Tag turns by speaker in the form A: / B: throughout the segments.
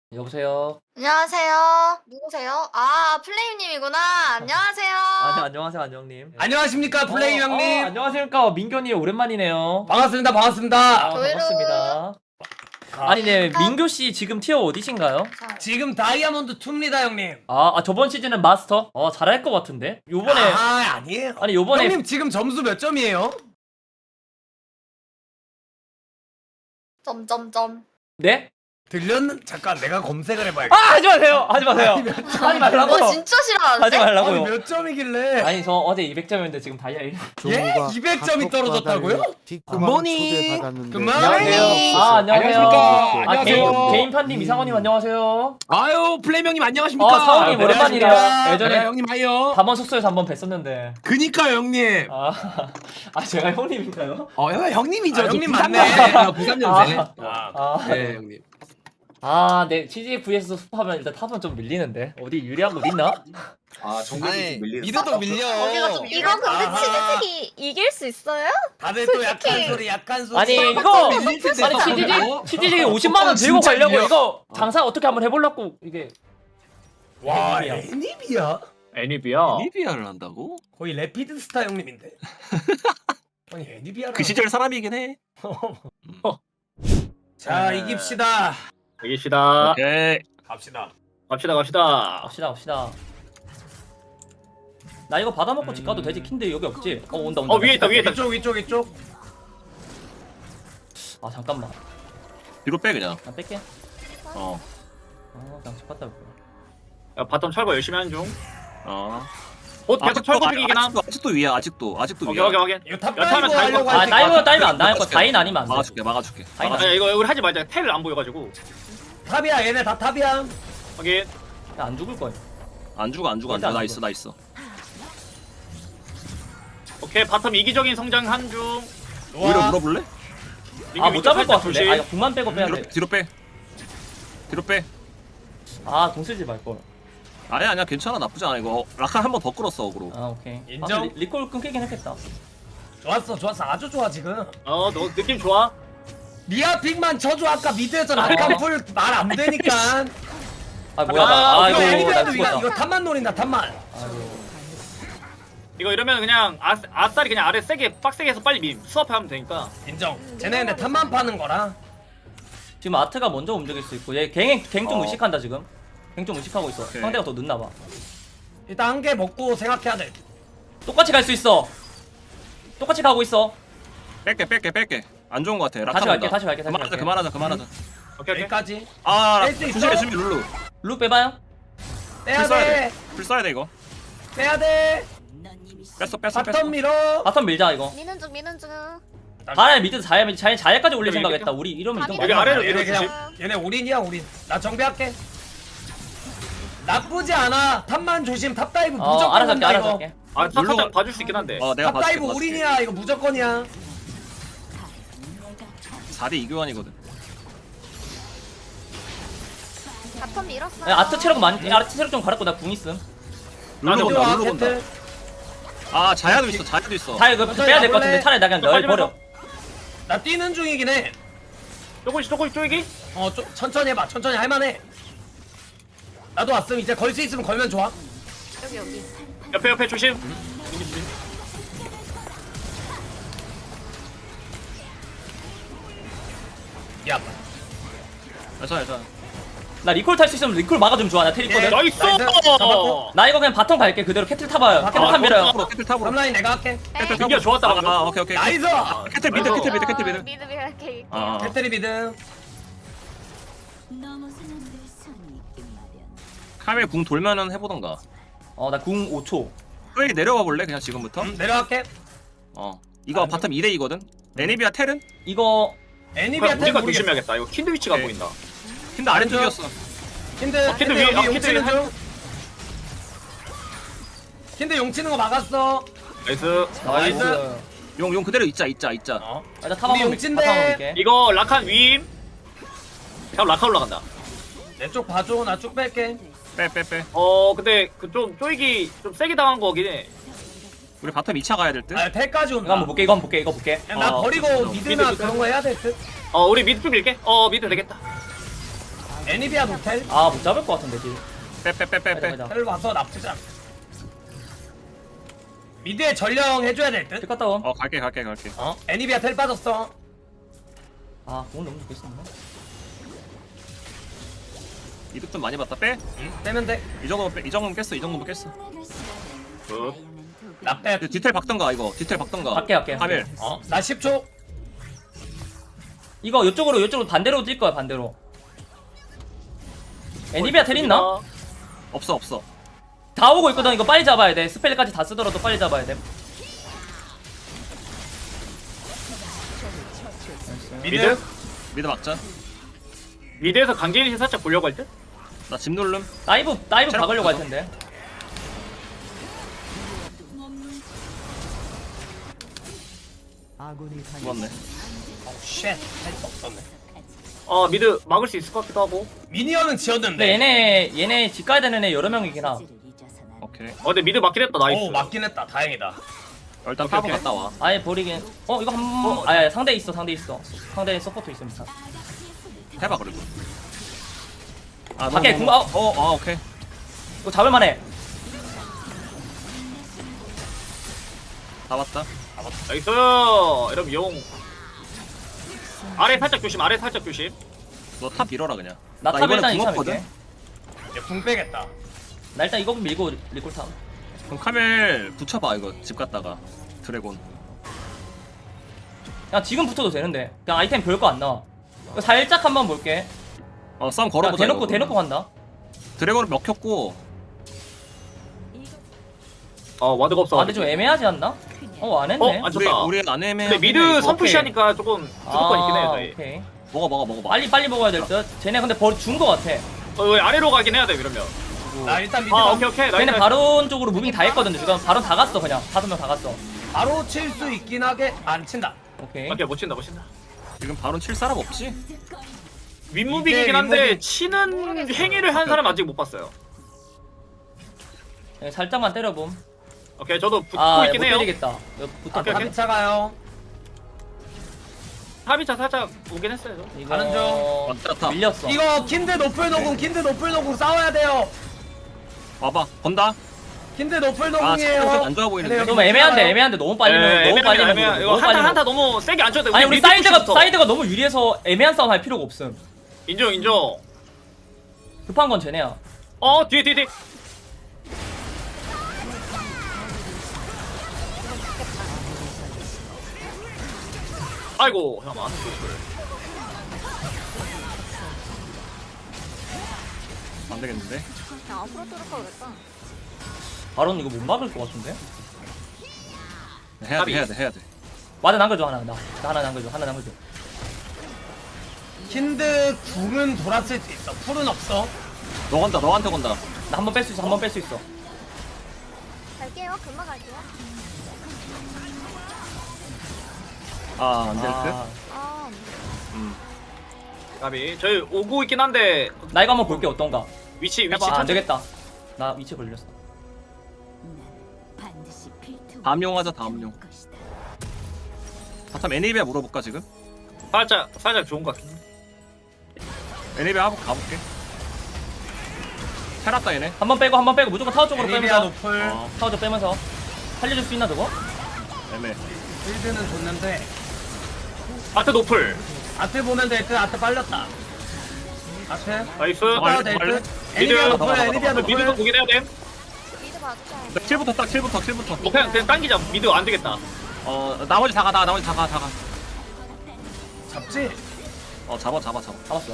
A: 여보세요.
B: 안녕하세요. 누구세요? 아, 플레임님이구나. 안녕하세요.
A: 안녕하세요, 안녕님.
C: 안녕하십니까 플레이 형님.
A: 안녕하십니까, 민교님 오랜만이네요.
C: 반갑습니다. 반갑습니다.
B: 저희로-
A: 반갑습니다. 아니, 네, 민교 씨 지금 티어 어디신가요?
C: 지금 다이아몬드 2입니다 형님.
A: 저번 시즌은 마스터. 잘할 것 같은데. 요번에
C: 아니에요.
A: 아니 요번에
C: 형님 지금 점수 몇 점이에요?
B: 점점점.
A: 네?
C: 잠깐 내가 검색을 해봐야겠다.
A: 하지 마세요. 하지 마세요. 하지 말라고요.
B: 진짜 싫어하는데?
A: 하지 말라고요.
C: 몇 점이길래?
A: 아니 저 어제 200점이었는데 지금 다이아 1.
C: 예? 200점이 떨어졌다고요?
D: 굿모닝.
C: 굿모닝.
B: 안녕하세요.
D: 안녕하십니까.
C: 안녕하세요.
A: 개인판님 이상원님 안녕하세요.
D: 아유 플레임 형님 안녕하십니까.
A: 사원님 오랜만이래요.
C: 안녕하십니까.
A: 예전에
D: 형님 하여.
A: 담원 숙소에서 한번 뵀었는데.
D: 그니까요 형님.
A: 제가 형님인가요?
D: 형님이죠.
C: 아,
D: 저
C: 형님
D: 93
C: 맞네.
D: 년생. 93년생.
A: 네.
D: 네 형님.
A: 네, CGV에서 수업하면 일단 탑은 좀 밀리는데 어디 유리한 곳 있나?
D: 정글이 좀 밀리는.
E: 미드도 밀려.
B: 거기가 좀 이거 근데
C: 아하.
B: 치즈색이 이길 수 있어요?
C: 다들 또 약한 소리 약한 소리.
A: 아니 이거
D: 밀릴 텐데,
A: 아니
D: 탑은.
A: CGG 50만 원 들고
C: 진짜
A: 가려고
C: 밀려.
A: 이거 장사 어떻게 한번 해보려고 이게
C: 와
A: 애니비야.
C: 애니비야?
F: 애니비야.
E: 리비아를 한다고?
C: 거의 레피드 스타 형님인데. 아니 애니비야.
E: 그 시절 사람이긴 해.
C: 자 이깁시다.
F: 이깁시다.
E: 오케이.
C: 갑시다.
F: 갑시다.
A: 갑시다. 나 이거 받아먹고 집 가도 되지. 킨데 여기 없지? 온다.
F: 위에 있다.
C: 이쪽.
A: 잠깐만.
E: 뒤로 빼 그냥.
A: 나 뺄게.
E: 어.
A: 그냥 집 갔다 올게.
F: 야, 바텀 철거 열심히 하는 중.
E: 어.
F: 계속 철거 중이긴 함.
E: 아직도 위야. 아직도
F: 오케이,
E: 위야.
F: 확인.
C: 이거 탑
F: 여차하면
C: 다이브 하려고
F: 다이브.
C: 할 때.
A: 다이브 안 나갈 거. 다인 아니면 안 돼.
E: 막아줄게.
A: 다인
F: 아니, 이거 우리 하지 말자. 텔을 안 보여가지고.
C: 탑이야 얘네 다 탑이야.
F: 확인.
A: 안 죽을 거야.
E: 안 죽어.
A: 절대 안
E: 나
A: 죽어.
E: 있어.
F: 오케이, 바텀 이기적인 성장한 중.
E: 오히려 물어볼래?
A: 못 잡을 것 같은데. 이거 궁만 빼고 빼야 돼.
E: 뒤로 빼.
A: 공 쓰지 말 걸.
E: 아니야. 괜찮아. 나쁘지 않아. 이거 라칸 한 번 더 끌었어 어그로.
A: 오케이.
C: 인정?
A: 리콜 끊기긴 했겠다.
C: 좋았어 아주 좋아 지금.
F: 너 느낌 좋아?
C: 미아 픽만 쳐줘 아까 미드에서 라칸풀 말 안 되니까.
A: 뭐야.
C: 이거
A: 나
C: 애니비아도
A: 죽었다.
C: 이거 탑만 노린다 탑만.
F: 이거 이러면 그냥 아싸리 그냥 아래 세게 빡세게 해서 빨리 수업하면 되니까.
C: 인정. 쟤네 근데 탑만 파는 거라.
A: 지금 아트가 먼저 움직일 수 있고 얘 갱 좀
E: 어.
A: 의식한다 지금. 갱 좀 의식하고 있어.
E: 오케이.
A: 상대가 더 늦나 봐.
C: 일단 한 개 먹고 생각해야 돼.
A: 똑같이 갈 수 있어. 똑같이 가고 있어.
E: 뺄게. 안 좋은 거 같아. 라칸
A: 다시 갈게.
E: 그만하자.
F: 오케이.
C: 여기까지.
E: 아,
C: 뺄수 있어?
E: 조심해 룰루.
A: 루 빼봐요.
C: 빼야
E: 불 써야
C: 돼.
E: 돼. 불 써야 돼 이거.
C: 빼야 돼.
E: 뺐어.
C: 바텀 밀어.
A: 바텀 밀자 이거.
B: 미는 중.
A: 바람에 미드 자야까지 올릴
F: 여기
A: 생각했다. 우리 이러면 이동
F: 여기
A: 많이
F: 아래로
A: 하네.
C: 얘네
F: 밀어주지.
C: 그냥 얘네 올인이야 올인. 나 정비할게. 나쁘지 않아. 탑만 조심. 탑 다이브 무조건
A: 알아서
C: 한다,
A: 할게.
C: 이거.
A: 알아서 할게.
F: 탑
E: 물론-
F: 살짝 봐줄 수 있긴 한데.
E: 내가
C: 탑 다이브 올인이야. 이거 무조건이야.
E: 4대 2교환이거든.
B: 바텀 밀었어.
A: 아트 체력 좀 갈았고 나 궁 있음.
F: 나도
E: 룰루
C: 좋아,
E: 본다.
C: 캐틀.
E: 자야도 있어.
A: 다 이거 빼야 될 것 같은데 차라리 나 그냥 널
F: 빨리
A: 버려.
C: 나 뛰는 중이긴 해.
F: 조금씩 쪼이기?
C: 천천히 해봐. 천천히 할만해. 나도 왔음. 이제 걸 수 있으면 걸면 좋아.
B: 여기.
F: 옆에 조심.
C: 야.
E: 괜찮아.
A: 나 리콜 탈 수 있으면 리콜 막아주면 좋아. 나 테리거든.
F: 나이스!
C: 잡았고.
A: 나 이거 그냥 바텀 갈게. 그대로 캐틀 타봐요. 캐틀 탑 밀어요.
E: 탑으로.
C: 탑라인 내가 할게.
F: 민기야 좋았다 방금.
E: 오케이.
C: 나이스.
E: 캐틀 미드.
B: 미드 할게.
C: 캐틀이 미드.
E: 카메 궁 돌면은 해보던가.
A: 나 궁 5초.
E: 빨리 내려가 볼래? 그냥 지금부터?
C: 내려갈게.
E: 이거 바텀 2대2거든? 애니비아 텔은?
A: 이거
C: 애니비아 텔
F: 우리가
C: 모르겠어.
F: 조심해야겠다. 이거 킨드 위치가 안
E: 오케이.
F: 보인다.
E: 근데 아래쪽이었어.
C: 킨드
F: 킨드
C: 킨드
F: 위에,
C: 여기 용
F: 킨드
C: 치는
F: 위에
C: 중. 킨드 용 치는 거 막았어.
F: 나이스.
A: 나이스.
E: 용 그대로 있자.
A: 나 탑
C: 우리
A: 한번
C: 용친데.
A: 밀게.
F: 이거 라칸 위임. 그냥 라칸 올라간다.
C: 내 쪽 봐줘. 나 쭉 뺄게.
E: 빼.
F: 근데 그 좀 쪼이기 좀 세게 당한 거긴 해.
E: 우리 바텀 2차 가야 될 듯?
C: 아 텔까지
A: 이거
C: 온다.
A: 한번 볼게. 이거 볼게.
C: 야, 나 버리고 미드나
F: 미드
C: 그런 거 해야 될 듯.
F: 우리 미드 좀 밀게. 미드 되겠다.
C: 애니비아 노텔
A: 아 못 잡을 것 같은데 딜.
E: 빼빼빼빼빼.
A: 가자.
C: 텔 와서 나쁘지 않아. 미드에 전령 해줘야 될 듯?
A: 딜 갔다 옴.
E: 갈게.
C: 애니비아 텔 빠졌어.
A: 아 공을 너무 좋겠었나?
E: 이득 좀 많이 봤다. 빼.
C: 빼면 돼.
E: 이 정도면 빼. 이 정도면 깼어. 이 정도면 깼어.
F: 굿.
C: 나 빼.
E: 디테일 박던가 이거. 디테일 박던가.
A: 갈게.
E: 하밀.
C: 나 10초.
A: 이거 이쪽으로 반대로 뛸 거야 반대로. 애니비아 텔 있나?
E: 없어.
A: 다 오고 있거든. 이거 빨리 잡아야 돼. 스펠까지 다 쓰더라도 빨리 잡아야 돼.
F: 미드?
E: 미드 막자.
F: 미드에서 강제일시 살짝 보려고 할 때?
E: 나 집 누름.
A: 다이브
E: 체력
A: 박으려고 할
E: 붙어서.
A: 텐데.
E: 죽었네.
C: 쉣. 할수 없었네.
F: 미드 막을 수 있을 것 같기도 하고.
C: 미니언은 지었는데.
A: 근데 얘네 집 가야 되는 애 여러 명이긴 하.
E: 오케이.
F: 근데 미드 막긴 했다. 나이스.
C: 오 맞긴 했다. 다행이다.
E: 일단
F: 오케이,
E: 파고
F: 오케이.
E: 갔다 와.
A: 아예 버리긴. 이거 아야 상대 있어. 상대 서포트 있습니다.
E: 해봐 그래도.
A: 밖에
E: 너무-
A: 궁-
E: 오케이.
A: 이거 잡을만해.
E: 잡았다.
F: 나이스. 이러면 용. 아래 살짝 조심.
E: 너 탑 밀어라 그냥.
A: 나 탑 일단
E: 궁
A: 2차
E: 없거든?
A: 밀게.
C: 이제 궁 빼겠다.
A: 나 일단 이거 밀고 리콜 탑.
E: 그럼 카멜 붙여봐 이거 집 갔다가 드래곤.
A: 그냥 지금 붙어도 되는데. 그냥 아이템 별 거 안 나와. 이거 살짝 한번 볼게.
E: 싸움
A: 그냥
E: 걸어보자. 이거.
A: 대놓고 간다.
E: 드래곤을 먹혔고.
F: 와드가 없어.
A: 아 근데 좀 애매하지 않나? 안 했네.
F: 안 쳤다.
E: 우리 안 애매해.
F: 근데 미드 선푸시하니까 조금 주도권 있긴 해. 저희.
A: 오케이.
E: 먹어.
A: 빨리 먹어야 될 듯. 쟤네 근데 준 거 같아.
F: 왜 아래로 가긴 해야 돼 이러면.
C: 나 일단 미드
F: 오케이.
A: 쟤네
F: 나이스.
A: 바론 쪽으로 무빙 다 했거든. 지금 바론 다 갔어 그냥. 5명 다 갔어.
C: 바로 칠 수 있긴 하게 안 친다.
A: 오케이.
F: 오케이 못 친다.
E: 지금 바론 칠 사람 없지?
F: 윗무빙이긴
C: 이제
F: 한데
C: 윗무빙.
F: 치는 행위를 한 사람 아직 못 봤어요.
A: 네, 살짝만 때려봄.
F: 오케이 저도 붙고
A: 못
F: 있긴 해요.
A: 때리겠다. 이거 붙어.
F: 오케이.
C: 합차 가요.
F: 합의차 살짝 오긴 했어요. 저.
A: 이거
C: 가는 중.
E: 왔다.
A: 밀렸어.
C: 이거 킨드 노플 노궁 싸워야 돼요.
E: 와봐. 건다.
C: 킨드 노플
E: 아,
C: 노궁이에요.
E: 잠깐 안 좋아 보이는데.
A: 좀 애매한데 너무 빨리면 너무 빨리면
F: 애매해. 이거
A: 너무 빨리면.
F: 한타 너무 세게 안 쳐도 돼.
A: 아니 우리
F: 미드 푸시부터.
A: 사이드가 너무 유리해서 애매한 싸움 할 필요가 없음.
F: 인정.
A: 급한 건 쟤네야.
F: 뒤에. 아이고 잠깐만.
E: 안 되겠는데.
B: 그냥 앞으로 뚫을 걸 그랬다.
A: 바론 이거 못 막을 것 같은데?
E: 해야 돼.
A: 와드 남겨줘 하나. 나 하나 남겨줘.
C: 킨드 궁은 돌았을 수 있어. 풀은 없어.
E: 너한테 건다.
A: 나 한 번 뺄 수 있어.
B: 갈게요. 금방 갈게요.
E: 안 될 듯.
B: 아,
F: 가비. 저희 오고 있긴 한데
A: 나 이거 한번 볼게 어떤가.
F: 위치
A: 안
F: 천천히.
A: 되겠다. 나 위치 걸렸어.
E: 다음용하자 다음용. 바텀 애니비아 물어볼까 지금?
F: 살짝 좋은 것 같긴 해.
E: 애니비아 하고 가볼게. 테랐다 얘네.
A: 한 번 빼고 무조건 타워 쪽으로
C: 애니비아
A: 빼면서
C: 노플.
A: 타워 쪽 빼면서 살려줄 수 있나 저거?
E: 애매.
C: 빌드는 좋는데
F: 아트 노플.
C: 아트 보면 될 듯. 아트 빨렸다. 아트.
F: 나이스.
C: 가야 될 듯.
F: 미드.
C: 애니비아 노플.
E: 가봐.
C: 애니비아
F: 미드도
C: 노플.
F: 보긴 해야 돼.
B: 미드 봐주자.
E: 킬부터 딱 킬부터.
F: 뭐 그냥 당기자. 미드 안 되겠다.
E: 나머지 다 가.
C: 잡지.
E: 잡아.
A: 잡았어.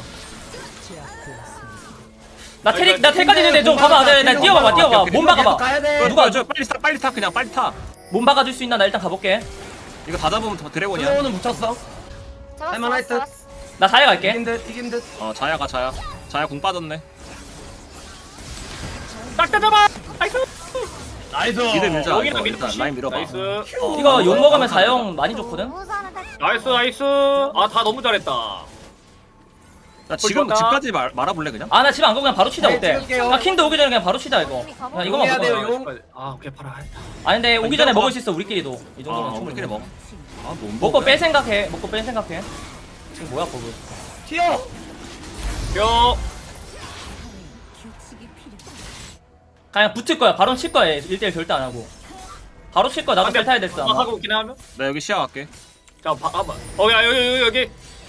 A: 나 텔까지 있는데 좀 가봐. 나 뛰어봐봐.
E: 오케이.
A: 몸 박아봐.
C: 가야 돼.
A: 누가
E: 빨리 타 그냥 빨리 타.
A: 몸 박아줄 수 있나? 나 일단 가볼게.
E: 이거 다 잡으면 더 드래곤이야.
C: 슬로우는 묻혔어. 할만할 듯.
A: 나 자야 갈게.
C: 이긴 듯.
E: 자야 공 빠졌네.
F: 딱다 잡아. 나이스.
C: 나이스.
E: 미드 밀자.
F: 여기는
E: 이거
F: 미드
E: 일단
F: 푸시.
E: 라인 밀어봐.
F: 나이스.
A: 이거 욕 먹으면 자영 많이 좋거든.
B: 너무 잘한다.
F: 나이스. 다 너무 잘했다.
E: 나 지금
F: 좋다.
E: 집까지 말아볼래 그냥?
A: 나 집 안 가고 그냥 바로 치자
C: 네,
A: 어때?
C: 찍을게요.
A: 나 킨드 오기 전에 그냥 바로 치자 이거. 야 이거만
C: 해야
A: 먹어.
C: 돼요, 용.
F: 오케이 팔아.
A: 아니 근데 오기 전에
E: 이거
A: 먹을 수 있어 우리끼리도. 이 정도면 충분히
E: 우리끼리 먹어.
A: 먹고 뺄 생각해. 지금 뭐야 버그.
C: 튀어.
F: 뼈.
A: 그냥 붙을 거야. 바로 칠 거야. 1대1 절대 안 하고. 바로 칠 거야. 나도 셀 타야 됐어. 아마.
F: 하고 있긴 하면.
E: 나 여기 시야 갈게.
F: 자, 한번. 야, 여기.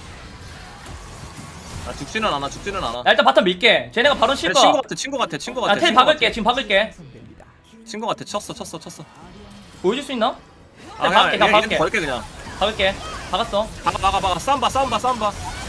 E: 나 죽지는 않아.
A: 야, 일단 바텀 밀게. 쟤네가 바로 칠 거야.
E: 친구 같아.
A: 야, 텔 박을게. 지금 박을게.
E: 친구 같아. 쳤어.
A: 보여줄 수 있나?
E: 아,
A: 박을게.
E: 그냥
A: 박을게.
E: 버릴게 그냥.
A: 박을게. 박았어.
E: 박아. 싸움봐.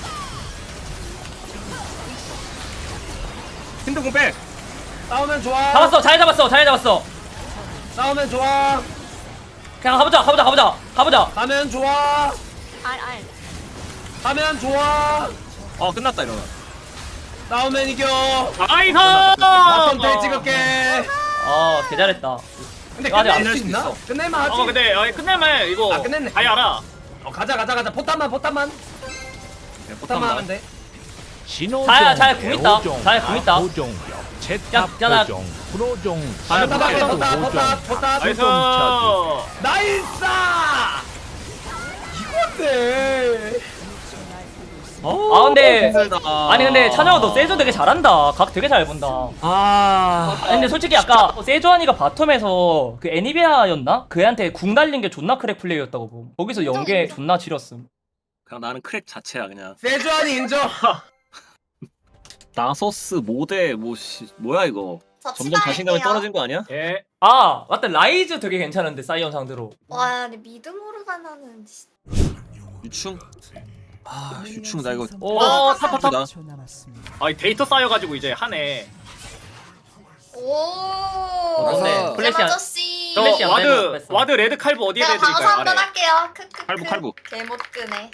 E: 힌드공 빼.
C: 싸우면 좋아.
A: 잡았어. 잘 잡았어.
C: 싸우면 좋아.
A: 그냥 가보자.
C: 가면 좋아.
B: 알.
C: 가면 좋아.
E: 끝났다 이러면.
C: 싸우면 이겨.
F: 나이스!
C: 바텀 텔 찍을게.
A: 개 잘했다.
C: 근데
A: 아직 안
C: 끝낼
E: 낼
C: 수
E: 수
C: 있나?
E: 있어.
C: 끝낼만 하지.
F: 근데 끝내면 이거
C: 아, 끝냈네.
F: 아예 알아.
C: 가자. 포탄만. 포탄만 하면 돼.
A: 잘 궁 있다. 야, 나
C: 포탄.
F: 나이스!
C: 나이스! 이건데.
A: 근데
E: 힘들다.
A: 아니 근데 찬영아 너 세조 되게 잘한다. 각 되게 잘 본다. 아니, 근데 솔직히 아까 세조한이가 바텀에서 그 애니비아였나? 그애한테 궁 날린 게 존나 크랙 플레이였다고 보고. 거기서 연계 존나 지렸음.
E: 그냥 나는 크랙 자체야 그냥.
C: 세주안이 인정.
E: 나소스 모대 뭐야 이거. 점점 자신감이 떨어진 거 아니야?
F: 예.
A: 맞다. 라이즈 되게 괜찮은데 사이언 상대로.
B: 와, 근데 미드 모르가나는
E: 유충. 유충 나 이거.
F: 탑.
E: 나.
F: 데이터 쌓여가지고 이제 하네.
B: 오.
A: 맞네. 플래시 안-
B: 아저씨.
F: 저
A: 플래시 안 되면
F: 와드 레드 칼부 어디에
B: 내가 방어서
F: 내드릴까요?
B: 한번
F: 아래.
B: 할게요. 크크크.
E: 칼부.
B: 개못 끄네.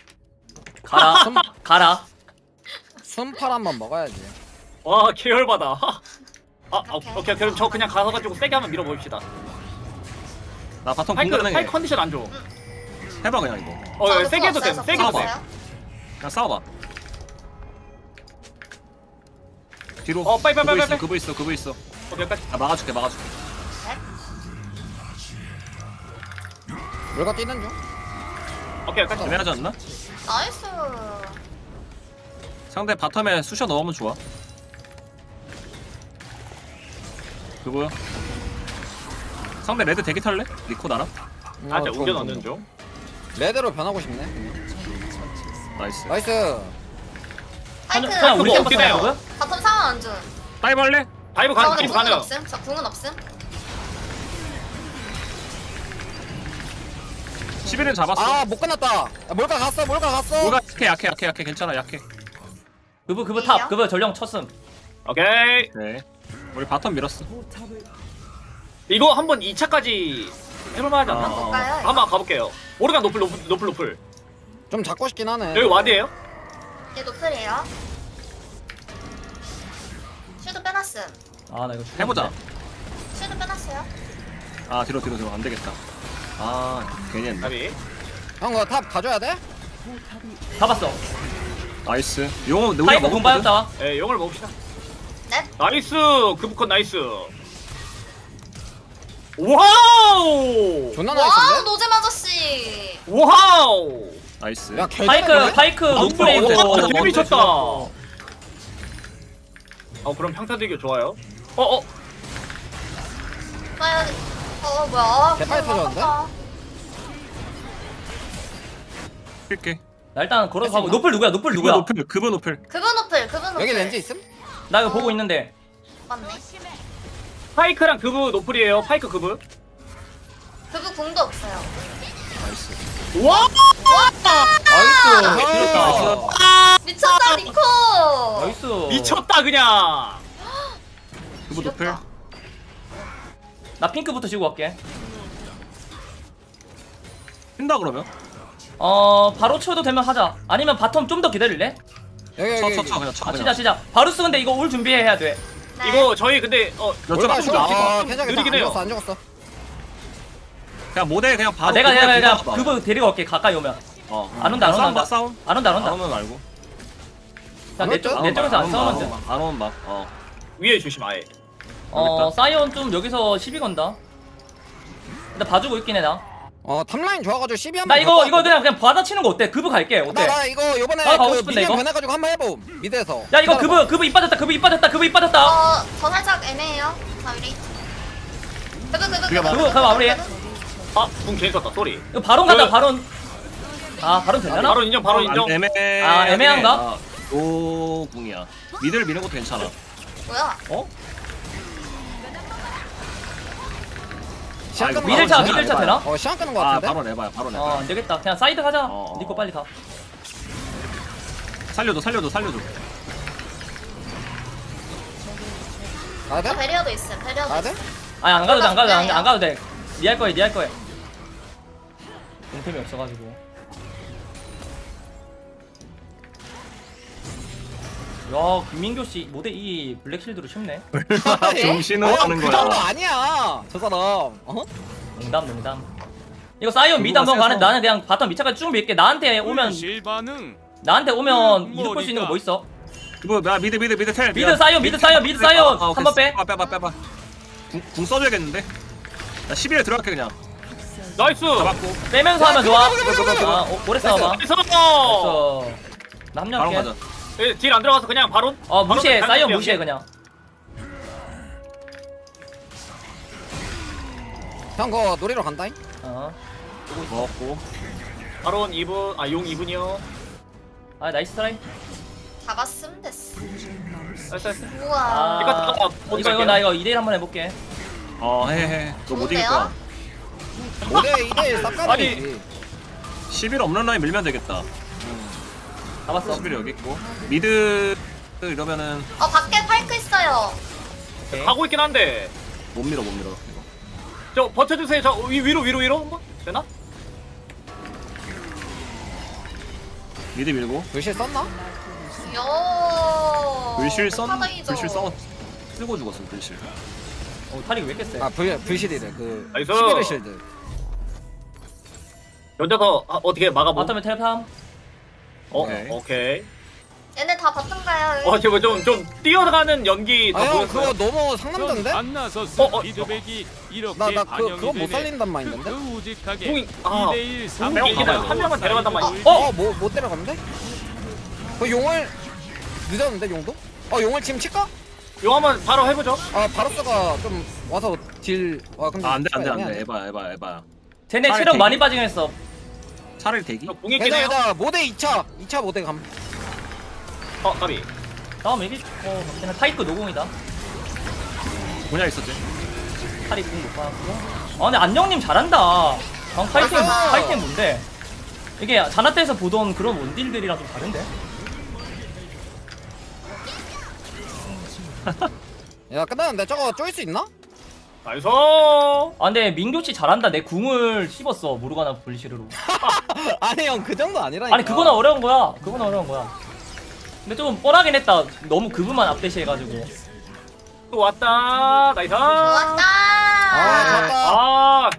A: 가라.
G: 순팔 한번 먹어야지.
F: 와 계열받아.
B: 오케이.
F: 오케이. 그럼 저 그냥 가서가지고 세게 한번 밀어봅시다.
E: 나 바텀
F: 파이크
E: 공격해.
F: 컨디션 안 좋아.
E: 해봐 그냥 이거.
B: 저도
F: 세게 해도 돼.
B: 없어요,
F: 세게 해도 돼.
B: 없어요.
E: 그냥 싸워봐. 뒤로.
F: 빨리.
E: 그거 있어.
F: 여기까지.
E: 나 막아줄게.
G: 물가 뛰는 중.
F: 오케이 여기까지.
E: 애매하지 않나?
B: 나이스.
E: 상대 바텀에 쑤셔 넣으면 좋아. 그거야. 상대 레드 대기 탈래? 리코 나랑?
F: 나한테
G: 좋아,
F: 우겨
G: 좋아,
F: 넣는
G: 좋아.
F: 중.
G: 레드로 변하고 싶네.
E: 나이스.
G: 나이스.
B: 파이크.
A: 그냥 우리
F: 그거
A: 템
F: 어떻게
A: 받는
F: 돼요?
A: 거야?
B: 바텀 상황 안 준.
E: 다이브 할래?
F: 다이브
B: 저
F: 가능.
B: 근데
F: 다이브
B: 궁은
F: 가능.
B: 없음. 저 궁은 없음.
E: 11은 잡았어.
G: 못 끝났다. 몰가 갔어.
E: 뭐가 약해. 괜찮아 약해.
A: 그브 탑. 그브 전령 쳤음.
F: 오케이.
E: 네. 우리 바텀 밀었어.
F: 이거 한번 2차까지 해볼만하지 않나?
E: 어.
B: 볼까요?
F: 한번 가볼게요. 오르간 노플.
G: 좀 잡고 싶긴 하네.
F: 여기 와드예요?
B: 얘 노플이에요. 슈도 빼놨음.
A: 나 이거 죽었네.
E: 해보자.
B: 슈도 빼놨어요.
E: 뒤로 안 되겠다. 괜히 했네.
F: 나비.
G: 형, 그거 탑 가져야 돼?
A: 잡았어.
E: 나이스. 용은 우리가
A: 파이브 공
E: 먹었거든.
A: 빠졌다.
F: 용을 먹읍시다.
B: 네.
F: 나이스. 그부컷 나이스. 와우.
G: 존나
B: 와우,
G: 나이스인데?
B: 노잼 아저씨.
F: 와우.
E: 나이스.
G: 야, 개
A: 파이크
G: 잘하네?
A: 노플이고.
F: 되게 미쳤다. 그럼 평타대교 좋아요.
B: 나 뭐야?
G: 개빨리 터졌는데?
E: 킬게.
A: 나 일단 걸어서 가고. 노플 누구야?
E: 그분
A: 누구야?
E: 노플.
B: 그분 노플.
G: 여기 렌즈 있음?
A: 나 이거 보고 있는데.
B: 맞네.
F: 파이크랑 그부 노플이에요. 파이크 그부.
B: 그분 궁도 없어요.
E: 나이스.
F: 와!
A: 나이스.
B: 미쳤다 니코.
A: 나이스.
F: 미쳤다 그냥.
E: 그분 노플.
A: 나 핑크부터 지고 갈게.
E: 뛴다 그러면?
A: 바로 쳐도 되면 하자. 아니면 바텀 좀 더 기다릴래?
G: 여기
E: 쳐 그냥 쳐. 그냥.
A: 치자. 바루스 근데 이거 올 준비해야 돼.
B: 네.
F: 이거 저희 근데
G: 몰가
E: 좀
G: 쇼.
E: 나와.
G: 괜찮아.
F: 느리긴 해요.
G: 안 죽었어.
E: 그냥 모델 그냥 바로.
A: 내가
E: 그냥
A: 그브 데리고 갈게. 가까이 오면. 안 온다.
E: 싸움.
A: 안 온다.
E: 안 오면 말고.
A: 자, 내 쪽에서 안 싸우면 돼.
E: 안 오면 막.
F: 위에 조심 아예.
A: 사이언 좀 여기서 시비 건다. 근데 봐주고 있긴 해 나.
G: 탑라인 좋아가지고 12
A: 나
G: 한번.
A: 이거 그냥 받아치는 거 어때? 그브 갈게. 어때?
G: 나 이거 요번에
A: 나 가고
G: 그
A: 싶은데,
G: 미니언
A: 이거?
G: 변해가지고 한번 해봄. 미드에서.
A: 야 이거
G: 기다려봐.
A: 그브 입 빠졌다.
B: 저 살짝 애매해요. 마무리. 그거
A: 그거 마무리해.
F: 아궁 괜히 썼다 쏘리.
A: 이거 바론 가자
F: 그-
A: 바론. 아 바론 되려나?
F: 바로 인정 바로 인정.
E: 애매해.
A: 아, 애매한가?
E: 노궁이야. 미드를 미는 것도 괜찮아.
B: 뭐야?
A: 어?
G: 시간 끄는 거
A: 미들 차,
G: 같은데?
A: 미들 차 되나?
G: 시간 끄는 거
E: 아
G: 같은데?
E: 바로 내봐요. 바로 내봐.
A: 안 되겠다. 그냥 사이드 가자.
E: 어.
A: 니꺼 빨리 가.
E: 살려줘.
G: 가야 돼?
B: 배리어도 있음. 배리어도
G: 가야 돼?
B: 있음.
A: 아니 안 가도 돼, 안 가도 돼, 안 가도 돼. 니 할 거야, 니 할 거야. 용템이 없어가지고. 야, 김민교 씨 모델 이 블랙실드로 쉽네.
E: 정신을 하는
G: 그 정도
E: 거야.
G: 아니야 저 사람 어?
A: 농담. 이거 사이온 미드 한번 가는 나는 그냥 바텀 미차까지 쭉 밀게. 나한테 오면 이득 볼 수 있는 거 뭐 있어?
E: 이거 나 미드 텔.
A: 미드 사이온, 미드 사이온, 미드 사이온.
E: 아,
A: 한번 빼.
E: 빼봐. 궁 써줘야겠는데. 나 11에 들어갈게 그냥.
F: 나이스.
E: 잡았고.
A: 빼면서 하면 좋아.
E: 그거.
A: 아, 오래 싸워봐.
F: 나이스.
A: 됐어. 나
E: 바로
A: 합류할게.
E: 가자.
F: 딜안 들어가서 그냥 바로.
A: 무시해.
F: 바로
A: 사이온
F: 갈게요.
A: 무시해 그냥.
G: 형 그거 놀이러 간다잉?
E: 먹었고.
F: 바로 2분 용 2분이요.
A: 아 나이스 트라이.
B: 잡았음 됐어.
F: 나이스.
B: 우와.
F: 이거 잠깐만,
A: 이거 나 이거 2대1 한번 해볼게.
E: 해. 너 못 이길
B: 좋은데요?
E: 거야.
G: 5대 2대1 쌉가능이지
E: 11 없는 라인 밀면 되겠다.
A: 잡았어.
E: 11 여기 있고. 미드 이러면은
B: 밖에 파이크 있어요.
A: 오케이.
F: 가고 있긴 한데.
E: 못 밀어.
F: 저 버텨주세요. 저 위로 한번 되나?
E: 미드 밀고.
G: 불실 썼나?
B: 요.
E: 불실
B: 사다이죠.
E: 쓰고 죽었어 불실.
A: 탈이 왜 이렇게 세?
G: 불실이래 그
F: 나이스.
G: 11의 실드
F: 연자서 어떻게 막아보?
A: 바텀에 텔팜.
F: 오케이.
B: 얘네 다 바텀 가요.
F: 저거 좀 뛰어가는 연기 더
G: 아형
F: 보였어요.
G: 그거 너무 상남자인데?
H: 피드백이 이렇게
G: 나
H: 반영이
G: 그거 못
H: 되네.
G: 살린단 마인드인데?
H: 그 우직하게
F: 공이- 아,
H: 2대1
F: 공이 있기는 한 명만 데려간단 말이야.
G: 못 데려갔는데? 그 용을 늦었는데 용도? 용을 지금 칠까?
F: 용 한번 바로 해보죠.
G: 바로스가 좀 와서 근데
E: 안돼.
G: 애매하네.
E: 에바야.
A: 쟤네
E: 차라리
A: 체력
E: 대기.
A: 많이 빠지긴 했어.
E: 차라리 대기.
F: 저 공이 있긴 해요.
G: 얘들아 모대 2차 모대 감
F: 까비.
A: 다음 얘기. 걔네 타이크 노공이다.
E: 뭐냐 있었지?
A: 탈이 공못 받았고. 근데 안녕님 잘한다. 타이템 뭔데? 이게 자나테에서 보던 그런 원딜들이랑 좀 다른데?
G: 야 끝났는데 저거 쪼일 수 있나?
F: 나이스.
A: 근데 민교씨 잘한다. 내 궁을 씹었어. 모르가나 불시르로.
G: 아니 형 그 정도 아니라니까
A: 아니 그거는 어려운 거야. 근데 좀 뻔하긴 했다. 너무 그분만 앞대시해가지고.
F: 또 왔다. 나이스.
B: 좋았다.
G: 좋았다
F: 아,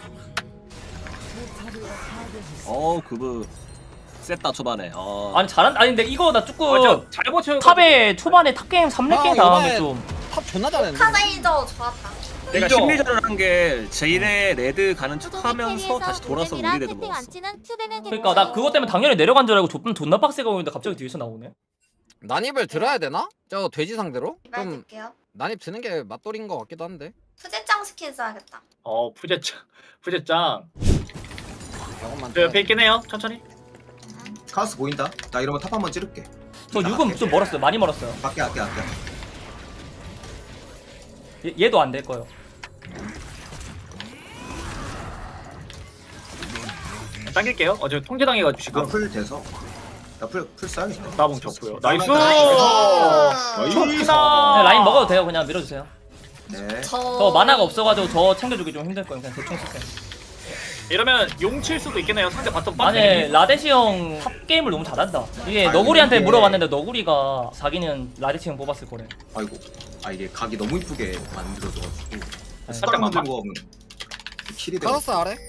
E: 그브 셌다 초반에.
A: 아니 잘한다. 아니 근데 이거 나 조금
F: 맞아. 잘못 채워.
A: 탑에 초반에 탑게임 3렙게임 당하면 좀
G: 탑 존나 잘했는데
B: 사다이저 좋았다.
E: 내가
A: 인정.
E: 심리전을 한 게 제일의 레드 가는 척하면서 다시 돌아서 우리 레드 먹었어.
A: 그러니까 나 그것 때문에 당연히 내려간 줄 알고 존나 빡세게 오는데 갑자기 뒤에서 나오네.
G: 난입을 들어야 되나? 저 돼지 상대로?
B: 말
G: 좀
B: 듣게요.
G: 난입 드는 게 맞돌인 것 같기도 한데
B: 푸제짱 스킨 써야겠다.
F: 푸제짱.
G: 저것만
F: 저 옆에 있긴 해요. 천천히.
D: 카우스 보인다. 나 이러면 탑 한번 찌를게.
A: 저 6은 좀 멀었어요. 많이 멀었어요.
D: 아껴.
A: 얘도 안 될 거예요.
F: 당길게요. 저 통제당해가지고 지금.
D: 나풀 돼서. 나풀 써야겠다.
F: 나봉 쳤고요. 나이스.
B: 나이스.
F: 좋다.
A: 라인 먹어도 돼요. 그냥 밀어주세요.
D: 네.
A: 저 만화가 없어가지고 저 챙겨주기 좀 힘들 거예요. 그냥 대충 쓸게요.
F: 이러면 용 칠 수도 있겠네요. 상대 바텀
A: 아니
F: 빡세.
A: 라데시 형 탑게임을 너무 잘한다. 이게 너구리한테
D: 이게-
A: 물어봤는데 너구리가 자기는 라데시 형 뽑았을 거래.
D: 아이고. 이게 각이 너무 이쁘게 만들어져가지고.
F: 살짝만
D: 스파랑 들고 하면 킬이 되고.
G: 카더스 아래?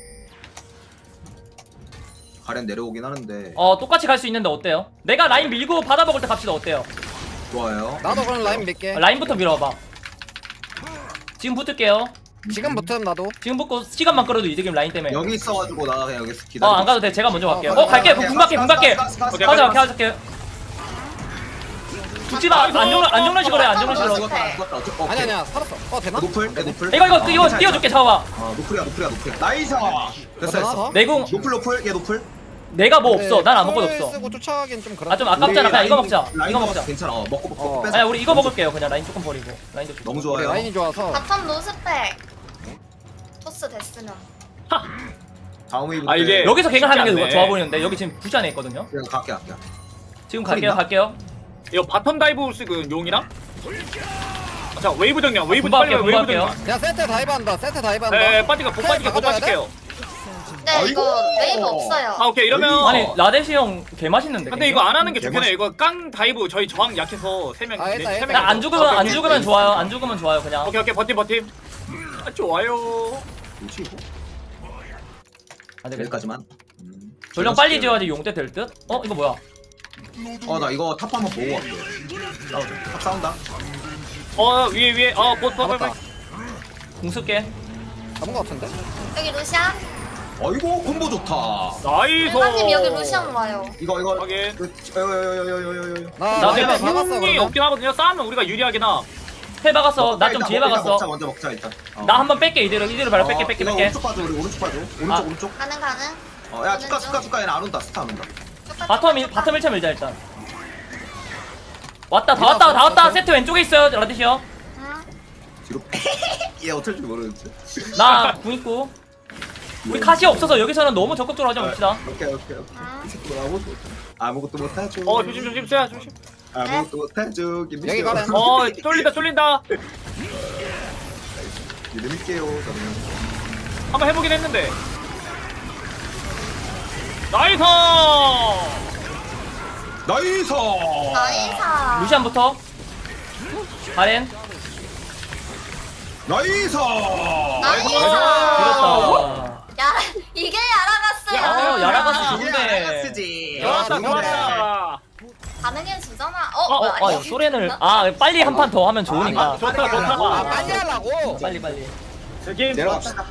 D: 가렌 내려오긴 하는데.
A: 똑같이 갈 수 있는데 어때요? 내가 라인 밀고 받아 먹을 때 갑시다. 어때요?
D: 좋아요.
G: 나도 그럼 라인 밀게
A: 라인부터 밀어봐. 지금 붙을게요.
G: 지금부터는 나도
A: 지금 붙고 시간만 끌어도 이득임 라인 때문에.
D: 여기 있어가지고 나 그냥 여기서 기다려.
A: 안 가도 돼. 제가 먼저 갈게요.
G: 가자,
A: 갈게.
D: 가자,
A: 궁 갈게.
D: 가자, 가자, 가자, 가자.
A: 가자. 가자. 죽지 마. 안정란 식으로 해. 안정란 식으로.
D: 죽었다.
G: 아니 아니야 살았어. 되나?
D: 노플.
A: 이거 띄워줄게. 잡아봐.
D: 노플이야. 나이스. 됐어.
A: 내공
D: 노플. 얘 노플.
A: 내가 뭐 없어. 난 아무것도
G: 을
A: 없어.
G: 쓰고 쫓아가긴 좀 그렇다.
A: 아 좀 아깝잖아. 그냥 이거 먹자.
D: 라인
A: 이거 먹자.
D: 괜찮아. 먹고 뺏어.
A: 아니 우리 이거 먹을게요. 그냥 라인 조금 버리고. 라인도 좀.
D: 너무
G: 우리
D: 좋아요.
G: 라인이 좋아서.
B: 바텀 노스펙. 토스 됐으면.
D: 다음 웨이브
F: 아, 이게-
A: 여기서 갱을 하는 게
F: 쉽지 않네.
A: 좋아 보이는데 여기 지금 부시 안에 있거든요.
D: 그냥 갈게.
A: 지금
D: 있나?
A: 갈게요.
F: 이거 바텀 다이브 쓰고 용이랑? 자 웨이브 정량 웨이브
A: 분발할게요,
F: 빨리 웨이브
A: 분발할게요.
F: 정량.
G: 야 세트 다이브한다. 세트 다이브한다.
F: 네 빠지가 복 빠지게 복
G: 바꿔줘야 돼?
F: 빠질게요.
B: 네 이거 웨이브 없어요.
F: 아 오케이 이러면.
A: 아니 라데시 형 개 맛있는데.
F: 근데 이거 안 하는 게 좋겠네. 이거 깡 다이브 저희 저항 약해서 세 명.
G: 아, 일단,
F: 세
G: 일단.
F: 명.
A: 안 죽으면 좋아요. 안 죽으면 좋아요. 그냥.
F: 오케이 버팀. 아 좋아요.
D: 뭐지 이거?
A: 안 되겠다.
D: 여기까지만.
A: 전령 빨리 지어야지 용때 될 듯? 이거 뭐야?
D: 나 이거 탑 한번 보고 갈게. 탑 싸운다.
F: 위에 보스
G: 잡았다.
A: 공 쓸게.
G: 잡은 거 같은데?
B: 여기 루시안.
D: 이거 콤보 좋다.
F: 나이스.
B: 일반님 여기 루시안 와요.
D: 이거
F: 확인.
A: 나
G: 내가
A: 지금
G: 박았어
F: 힘이
G: 그러면.
F: 없긴 하거든요. 싸우면 우리가 유리하긴 하.
A: 해 박았어. 나 좀 뒤에 박았어.
D: 먼저 먹자 일단.
A: 나 한번 뺄게 이대로 바로 뺄게.
D: 이거 오른쪽 봐줘. 우리 오른쪽 봐줘.
A: 아.
D: 오른쪽.
B: 가능.
D: 야 축가 얘는 안 온다. 스타 안 온다.
A: 바텀 1차 밀자 일단. 다 왔다. 세트 왼쪽에 있어요. 라디시 형.
B: 응.
D: 뒤로. 얘 어쩔 줄 모르는데.
A: 나궁 있고. 우리 카시 없어서 여기서는 너무 적극적으로 하지 맙시다.
D: 오케이. 이 새끼 아무것도 못하죠.
F: 조심 쎄야 조심.
D: 아무것도 못하죠.
G: 여기 가래.
F: 쫄린다.
D: 믿을게요. 저는.
F: 한번 해보긴 했는데. 나이스.
D: 나이스.
A: 루시안부터. 가렌.
D: 나이스.
A: 길었다.
B: 야 이게 야라가스야.
A: 야라가스
D: 아,
A: 좋은데.
D: 야라가스지.
F: 좋았다.
B: 반응해 주잖아.
A: 소렌을 빨리 한 판 더 하면 좋으니까.
F: 좋다.
G: 빨리 하려고.
A: 빨리.
F: 게임
D: 내려갑시다.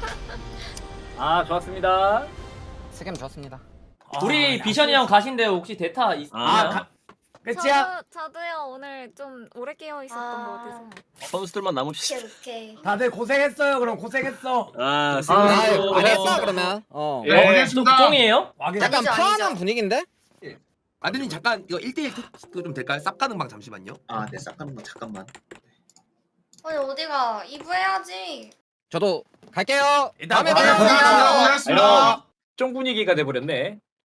F: 좋았습니다.
G: 스캠 좋았습니다.
A: 우리 비션이 형 가신데 혹시 데타 있나요?
C: 끝이야?
I: 저도요 오늘 좀 오래 깨어 있었던 것 같아서.
E: 선수들만 남읍시다.
B: 오케이.
C: 다들 고생했어요. 그럼 고생했어.
G: 알겠어 그러면.
F: 예.
A: 똥이에요?
C: 와긴
G: 약간
B: 아니죠,
G: 파는
B: 아니죠.
G: 분위기인데?
J: 아드님 잠깐 이거 1대1 그 좀 될까요? 쌉 가는 방 잠시만요.
D: 네, 싹가는 거 잠깐만.
B: 아니 어디가 2부 해야지.
G: 저도 갈게요.
C: 일단
G: 다음에
C: 고생하셨습니다.
G: 봬요.
F: 쫑 분위기가 돼버렸네.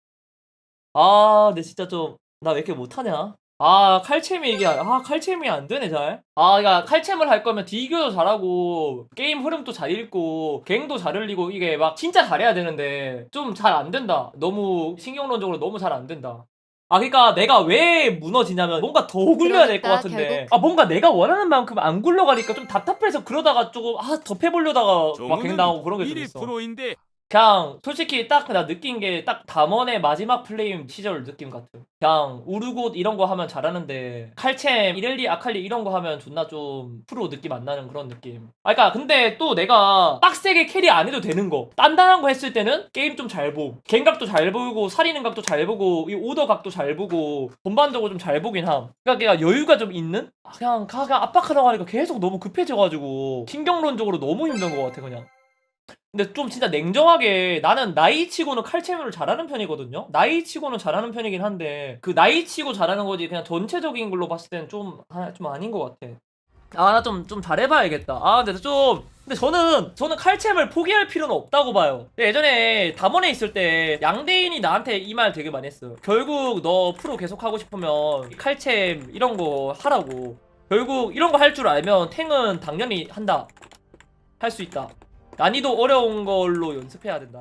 A: 근데 진짜 좀 나 왜 이렇게 못하냐? 칼챔이 이게 칼챔이 안 되네 잘. 그러니까 칼챔을 할 거면 딜교도 잘하고 게임 흐름도 잘 읽고 갱도 잘 흘리고 이게 막 진짜 잘해야 되는데 좀 잘 안 된다. 너무 신경론적으로 너무 잘 안 된다. 그러니까 내가 왜 무너지냐면 뭔가 더 굴려야 될 것
I: 그러니까
A: 같은데 뭔가 내가 원하는 만큼 안 굴러가니까 좀 답답해서 그러다가 조금 더 패보려다가 막 갱 당하고 그런 게 좀 있어.
H: 1%인데
A: 그냥 솔직히 딱 나 느낀 게 딱 담원의 마지막 플레임 시절 느낌 같아. 그냥 우르곳 이런 거 하면 잘하는데 칼챔, 이렐리, 아칼리 이런 거 하면 존나 좀 프로 느낌 안 나는 그런 느낌. 그러니까 근데 또 내가 빡세게 캐리 안 해도 되는 거 단단한 거 했을 때는 게임 좀 잘 보고 갱각도 잘 보고 살리는 각도 잘 보고 이 오더 각도 잘 보고 전반적으로 좀 잘 보긴 함. 그러니까 걔가 여유가 좀 있는? 그냥 압박하다고 하니까 계속 너무 급해져가지고 신경론적으로 너무 힘든 것 같아 그냥. 근데 좀 진짜 냉정하게 나는 나이치고는 칼챔을 잘하는 편이거든요. 나이치고는 잘하는 편이긴 한데 그 나이치고 잘하는 거지 그냥 전체적인 걸로 봤을 때는 좀 아닌 것 같아. 나 좀 잘해봐야겠다. 근데 저는 칼챔을 포기할 필요는 없다고 봐요. 근데 예전에 담원에 있을 때 양대인이 나한테 이 말 되게 많이 했어요. 결국 너 프로 계속 하고 싶으면 칼챔 이런 거 하라고. 결국 이런 거 할 줄 알면 탱은 당연히 한다. 할 수 있다. 난이도 어려운 걸로 연습해야 된다.